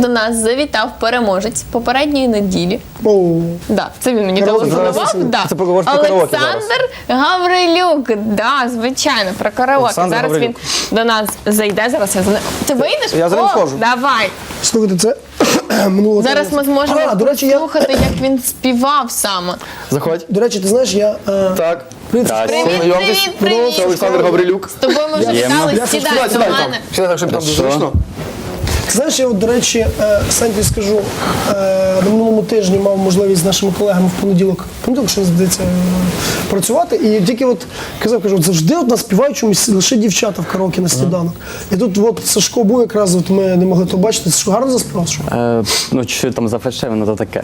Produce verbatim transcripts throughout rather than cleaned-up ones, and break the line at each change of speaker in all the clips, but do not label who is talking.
нас завітав переможець попередньої неділі.
Оу.
Да, це він мені
Караоке,
телефонував.
зараз
Да.
це поговориш про караоке
Олександр Гаврилюк. Да, звичайно, про караоке.
Олександр
Зараз
Гаврилюк.
він до нас зайде. Зараз я за ним. Ти вийдеш?
Я за ним
О,
схожу.
Давай.
Слухайте, це минуло.
Зараз ми зможемо
А, до речі, я...
слухати, як він співав саме.
Заходь.
До речі, ти знаєш, я... е,
Так.
Привіт.
Привіт,
Знайомтесь.
привіт, привіт.
Це Олександр Гаврилюк.
З тобою ми вже
Приємно.
вітали.
Я
Сідай
сідай,
до
Сідай
мене.
там. Сідай так, щоб там дуже
Хорошо.
зручно.
Ти знаєш, я от, до речі, е, Саньки скажу, е, на минулому тижні мав можливість з нашими колегами в понеділок, в понеділок, що здається, працювати. І тільки от казав, кажу, от завжди от нас співають чомусь лише дівчата в караоке на сніданок. І тут от Сашко був якраз, от ми не могли то бачити. Сашко гарно заспівав? Сашко?
Е, ну, чуть там зафальшивано, то таке.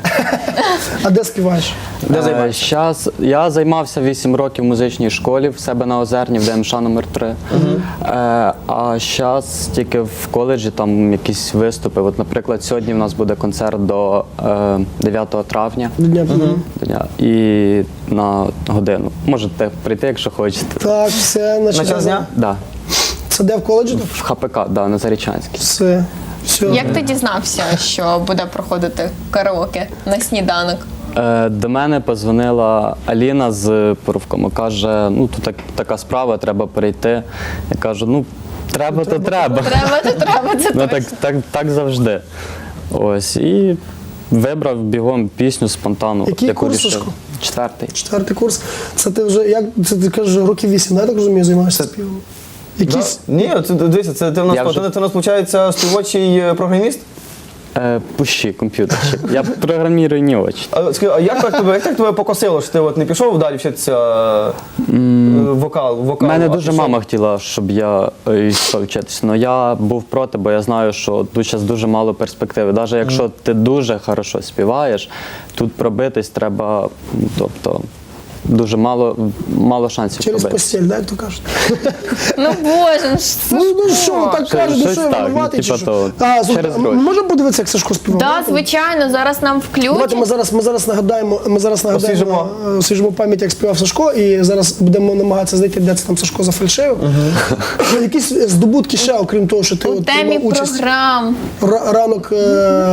А де співаєш?
Де
Е,
займаєшся?
щас, я займався вісім років в музичній школі в себе на Озерні, в ДМШ номер три. Е, а зараз тільки в коледжі там якісь виступи. От, наприклад, сьогодні в нас буде концерт до е, дев'ятого травня.
До дня.
До дня. І на годину. Можете прийти, якщо хочете.
Так, все,
На
значить,
час дня?
Да.
це де в коледжі?
В ХПК, да, на Зарічанській.
Все, все.
Як ти дізнався, що буде проходити караоке на сніданок?
Е, До мене позвонила Аліна з Порувкому. Каже, ну тут так, така справа, треба перейти. Я кажу, ну треба, то треба.
Треба, то треба, це
Ну
точно.
так, так, так завжди. Ось. І вибрав бігом пісню спонтанно.
Який
яку
курс,
рішив.
Сашко?
Четвертий.
Четвертий курс. Це ти вже, як, це ти кажеш, років вісім, да, я так розумію, займаєшся співом? Якісь...
Ні, це, дивися, це ти в нас,
Я вже-
ти, ти у нас, виходить, співочий е, програміст?
Е, пущі, комп'ютерчик. Я програмірую не очі.
А, скажи, а як так тебе, як так тебе покосило, що ти от не пішов далі вчитися е, вокал,
У
вокал?
мене
а
дуже
пішов?
мама хотіла, щоб я е, йшов вчитися. Але я був проти, бо я знаю, що тут зараз дуже мало перспективи. Навіть якщо ти дуже хорошо співаєш, тут пробитись треба, ну, тобто, дуже мало, мало шансів
Через
пробитись.
постіль, да, як то кажуть?
Ну боже, ну що?
Ну, ну що, так
Що-
кажуть, ну
щось
що я
так,
винуватий,
ну,
чи
типа
що?
того,
А, слухай,
через
а
гроші.
можемо подивитися, як Сашко співав?
Да, звичайно, зараз нам
Давайте ми
включать.
зараз, ми зараз нагадаємо, ми зараз нагадаємо,
Освіжимо.
е, освіжимо пам'ять, як співав Сашко, і зараз будемо намагатися знайти, де це там Сашко зафальшив. Якісь здобутки ще, окрім того, що ти
У
от
темі
приймав участь.
програм.
Ра- Ранок, е,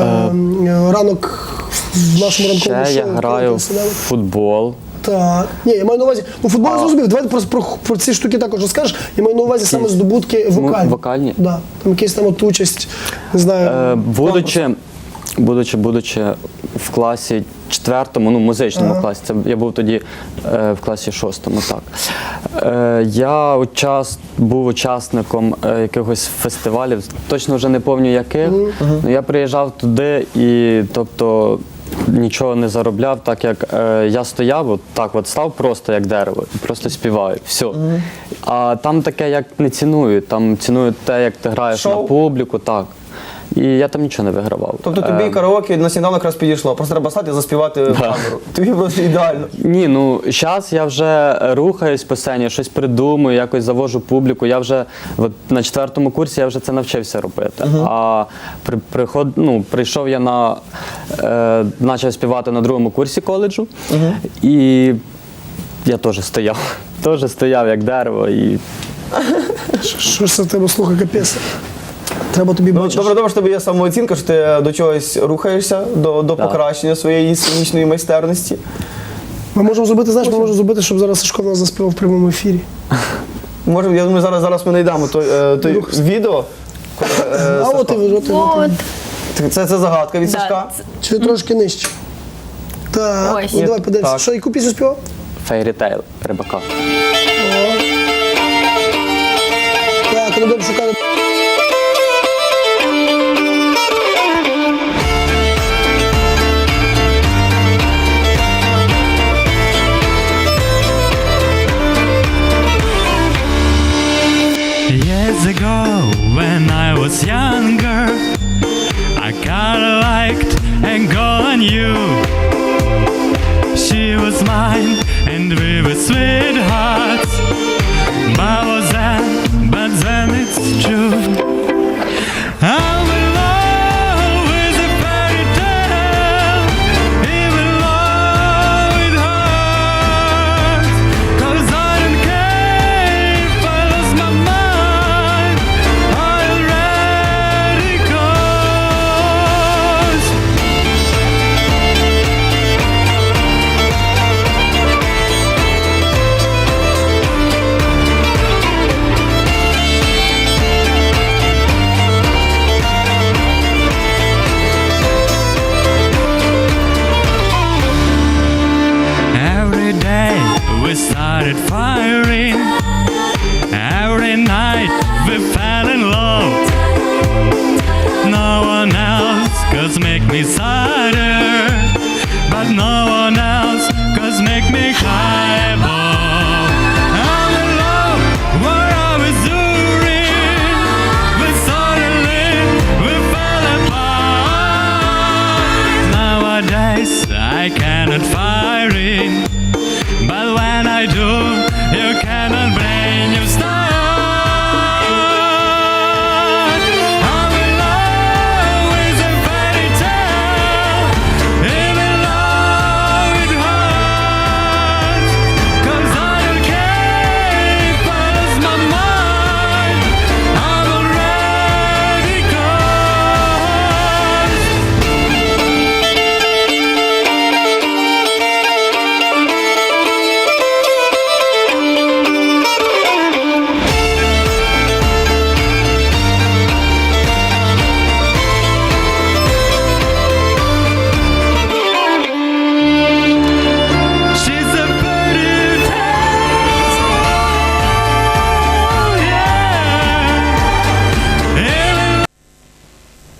е, ранок в нашому ранковому
Ще
шоу.
я граю в
«Сніданок».
футбол.
Так. Ні, я маю на увазі, ну футбол я зрозумів, давайте просто про, про ці штуки також розкажеш. Я маю на увазі саме здобутки вокальні.
вокальні?
Да. Там якісь там от участь, не знаю.
Е, будучи, будучи, будучи в класі четвертому, ну музичному
Ага.
класі, це я був тоді е, в класі шостому, так. Е, я учас, був учасником е, якихось фестивалів, точно вже не пам'ятаю яких. Ну, я приїжджав туди і, тобто, нічого не заробляв, так як е, я стояв, от так от став просто як дерево, і просто співаю, все. А там таке як не цінують, там цінують те, як ти граєш
Шоу?
на публіку, так. І я там нічого не вигравав.
Тобто тобі
Е,
караоке на сніданок якраз підійшло, просто треба стати і заспівати в камеру. Тобі просто ідеально.
Ні, ну зараз я вже рухаюсь по сцені, щось придумую, якось завожу публіку. Я вже от, на четвертому курсі я вже це навчився робити. А при, приход, ну, прийшов я на е, почав співати на другому курсі коледжу, і я теж стояв. Теж стояв як дерево. І
Що ж це в тебе, слухай, капець. Треба тобі
Ну,
бачиш.
добре, добре, що тобі є самооцінка, що ти до чогось рухаєшся, до, до
Так.
покращення своєї сценічної майстерності.
Ми можемо зробити, знаєш, ми можемо зробити, щоб зараз Сашко в нас заспівав в прямому ефірі.
Може, я думаю, зараз, зараз ми знайдемо той, е, той відео. коли, е,
А от і
Сашко-
ви, от і ви.
От.
Це, це загадка від
Да,
Сашка.
це-
Чи трошки нижче? Так,
Ось.
ну, давай подивимося.
Так.
Що, яку пісню співав?
фейрітейл Рибака.
Так, ну будемо шукати.
Years ago, when I was younger, I kinda liked a girl I knew. She was mine, and we were sweethearts. But was that, but then it's true. I'm in love with a fairy tale, even though it hurts. 'Cause I don't care if I lose my mind, I already got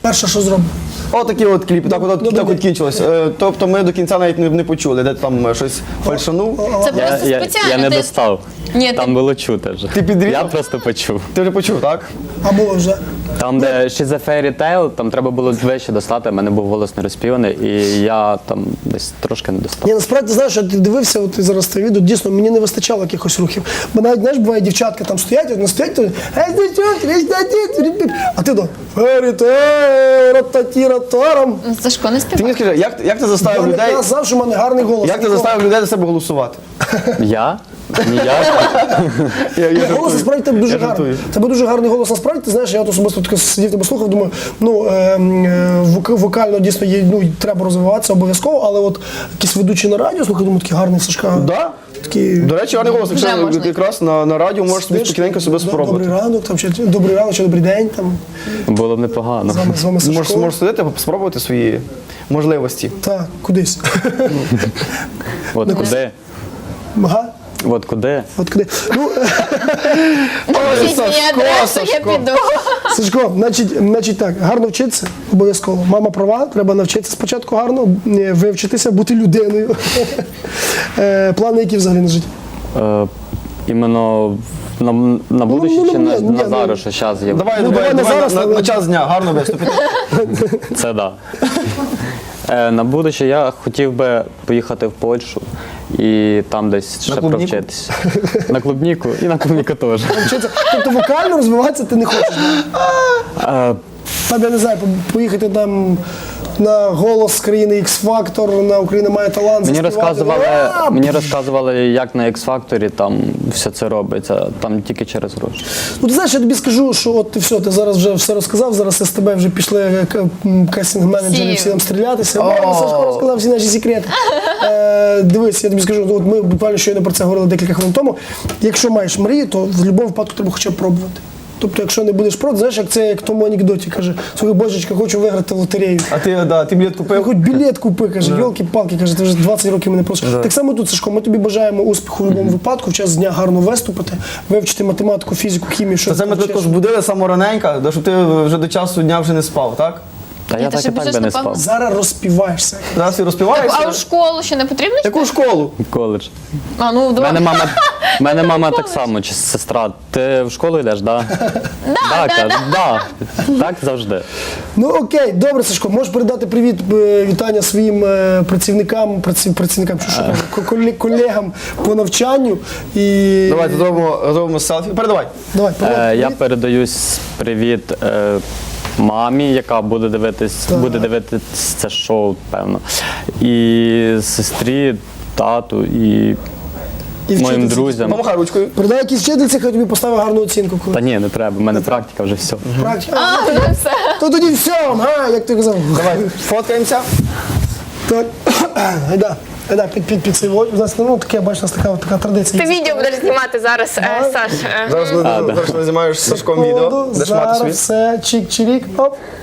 Перше, що зробимо.
Отакі от кліпи, так от,
Добрий
так
день.
от кінчилось. Е, Тобто ми до кінця навіть не, не почули, де ти там е, щось фальшанув.
Це
Я,
просто
я,
спеціально.
я не
ти-
достав.
Ні, ти-
Там було чути вже.
Ти підрізав?
Я просто почув.
Ти вже почув, так?
А було вже.
Там, де She's a Fairy Tale, там треба було вище достати, в мене був голос не розпіваний, і я там десь трошки не достав.
Ні, насправді, знаєш, я ти дивився, от зараз те відео, дійсно, мені не вистачало якихось рухів. Бо навіть, знаєш, буває, дівчатка там стоять, от не стоять, то «Ей, дівчатки, ей, дівчатки», а ти до «Ферітерататіратарам».
Сашко, не
Ти мені
співай.
скажи, як, як ти заставив
Я не
людей,
казав, що в мене гарний голос.
як ти заставив людей за себе голосувати?
Я? Ніяк.
Я, я
Ні, голос насправді тебе дуже
Я
гарний.
жартую.
Тебе дуже гарний голос насправді. Ти знаєш, я от особисто таке сидів тебе слухав, думаю, ну е, е, вок- вокально дійсно є, ну треба розвиватися обов'язково, але от якісь ведучі на радіо, слухай, думаю, такий гарний Сашка.
Да?
Такий,
До речі, гарний голос.
Вже
Якщо
можна.
якраз на, на радіо можеш собі
знаєш,
спокійненько себе
«Д-
спробувати.
Добрий ранок, там, чи добрий ранок, чи добрий день. Там,
Було б непогано.
з вами, з вами Сашко.
Можеш, можеш сидити, спробувати свої можливості.
Так, кудись.
От куди?
Ага.
От куди?
От куди. Ну,
Напишіть мені
Сашко,
адресу, я
Сашко.
піду.
Сашко, значить, значить так, гарно вчитися, обов'язково. Мама права, треба навчитися спочатку гарно, е, вивчитися, бути людиною. Е, Плани, які взагалі на життя?
Е, іменно на, на будущее
ну,
чи
ні,
на,
ні,
на
ну,
зараз, що зараз є?
Давай,
Ну,
давай,
давай не
давай
зараз,
на, на,
але-
на час дня гарно виступити.
Це да. Е, на будущее я хотів би поїхати в Польщу і там десь ще
клубніку?
провчитися. На клубніку і на клубніку теж.
Вчитися. Тобто вокально розвиватися ти не хочеш?
Е,
Там, я не знаю, по- поїхати там на голос країни X-Factor, на Україна має талант.
Мені
заспівати.
розказували,
А,
мені розказували, як на X-Factor там все це робиться, там тільки через гроші.
Ну, ти знаєш, я тобі скажу, що от ти все, ти зараз вже все розказав, зараз з тебе вже пішли е, к- м, кастинг-менеджери
Всі.
всі там стрілятися. О, Сашко розказав всі наші секрети. Е, дивись, я тобі скажу, от ми буквально щойно про це говорили декілька хвилин тому. Якщо маєш мрію, то в будь-якому випадку треба хоча б пробувати. Тобто, якщо не будеш проти, знаєш, як це як в тому анекдоті каже, слухай, божечка, хочу виграти в лотерею.
А ти, да, ти білет
Я
купив?
хоч білет купи, каже, йолки-палки, каже, ти вже двадцять років мене просиш. Так само тут, Сашко, ми тобі бажаємо успіху в будь-якому випадку, в час дня гарно виступити, вивчити математику, фізику, хімію, що
Та це ми
ти
тебе
вчиш.
також будили самораненько, да, щоб ти вже до часу дня вже не спав, так?
Та
Ні,
я
ти
так
ще
і так
біжиш,
би не
напевно.
спав.
Зараз розпіваєшся.
Зараз ти розпіваєшся.
А у школу ще не потрібно?
Яку школу?
Коледж.
А, ну,
У
два.
мене мама, в мене мама так само, чи сестра. Ти в школу йдеш, да? Да, каже, да. Так завжди.
Ну окей, добре, Сашко, можеш передати привіт, е, вітання своїм е, працівникам, праці- працівникам, що, що кажу, ко- коле- колегам по навчанню. І...
Давайте зробимо, зробимо селфі. Передавай.
Давай, привіт.
Е, я передаю с- привіт е, мамі, яка буде дивитись, буде дивитись це шоу, певно. І сестрі, тату, і,
І
моїм
вчительці.
друзям.
Помахай ручкою.
Передай якійсь вчительці, хай тобі поставить гарну оцінку. Коли.
Та ні, не треба, в мене практика вже все.
Практика.
А, ну все.
То тоді все, га, як ти казав.
Давай, фоткаємося.
Так, гайда, гайда, під, під, під цей вод. У нас, ну, таке, бачиш, у нас така, така традиція.
Ти відео будеш знімати зараз, е, Саш. е.
Зараз ми зараз ми знімаєш з Сашком відео. Де ж мати
Зараз
свій?
все, чик-чирік, оп.